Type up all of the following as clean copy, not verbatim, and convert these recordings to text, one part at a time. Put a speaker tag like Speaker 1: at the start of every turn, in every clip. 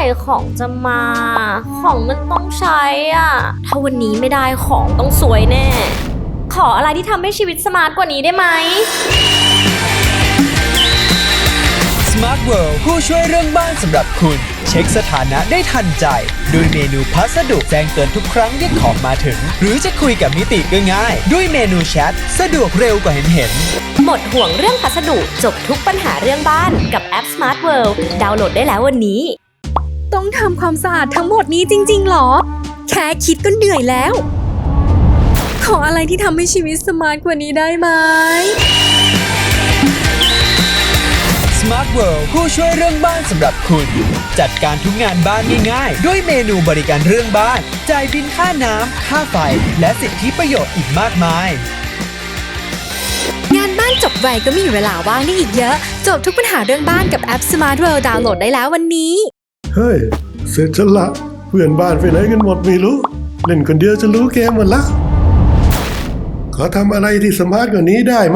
Speaker 1: ของจะมา ของมันต้องใช้อ่ะ ถ้าวันนี้ไม่ได้ของต้องสวยแน่ ขออะไรที่ทำให้ชีวิตสมาร์ทกว่านี้ได้ไหม
Speaker 2: Smart World ผู้ช่วยเรื่องบ้านสำหรับคุณ เช็คสถานะได้ทันใจด้วยเมนูพัสดุแจ้งเตือนทุกครั้งที่ของมาถึง หรือจะคุยกับนิติก็ง่ายด้วยเมนูแชทสะดวกเร็วกว่าเห็น
Speaker 1: หมดห่วงเรื่องพัสดุจบทุกปัญหาเรื่องบ้านกับแอป Smart World ดาวน์โหลดได้แล้ววันนี้
Speaker 3: ต้องทำความสะอาดทั้งหมดนี้จริงๆหรอ แค่คิดก็เหนื่อยแล้ว ขออะไรที่ทำให้ชีวิตสมาร์ทกว่านี้ได้ไหม
Speaker 2: Smart World ผู้ช่วยเรื่องบ้านสำหรับคุณ จัดการทุกงานบ้านง่ายๆด้วยเมนูบริการเรื่องบ้านจ่ายบินค่าน้ำค่าไฟและสิทธิประโยชน์อีกมากมาย
Speaker 3: งานบ้านจบไวก็มีเวลาว่างได้อีกเยอะ จบทุกปัญหาเรื่องบ้านกับแอป Smart World ดาวน์โหลดได้แล้ววันนี้
Speaker 4: เฮ้ย เสร็จฉันละเพื่อนบ้านไปไหนกันหมดไม่รู้ เล่นคนเดียวจะรู้เกมหมดละ ขอทำอะไรที่สมาร์ทกว่านี้ได้ไหม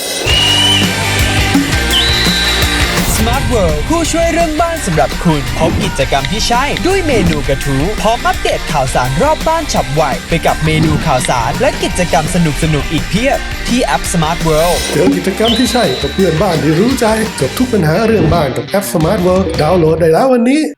Speaker 2: Smart World ผู้ช่วยเรื่องบ้านสำหรับคุณพบกิจกรรมที่ใช่ด้วยเมนูกระทู้พร้อมอัปเดตข่าวสารรอบบ้านฉับไวไปกับเมนูข่าวสารและกิจกรรมสนุกๆอีกเพียบที่แอป Smart World
Speaker 4: เจอกิจกรรมที่ใช่กับเพื่อนบ้านที่รู้ใจจบทุกปัญหาเรื่องบ้านกับแอป Smart World ดาวน์โหลดได้แล้ววันนี้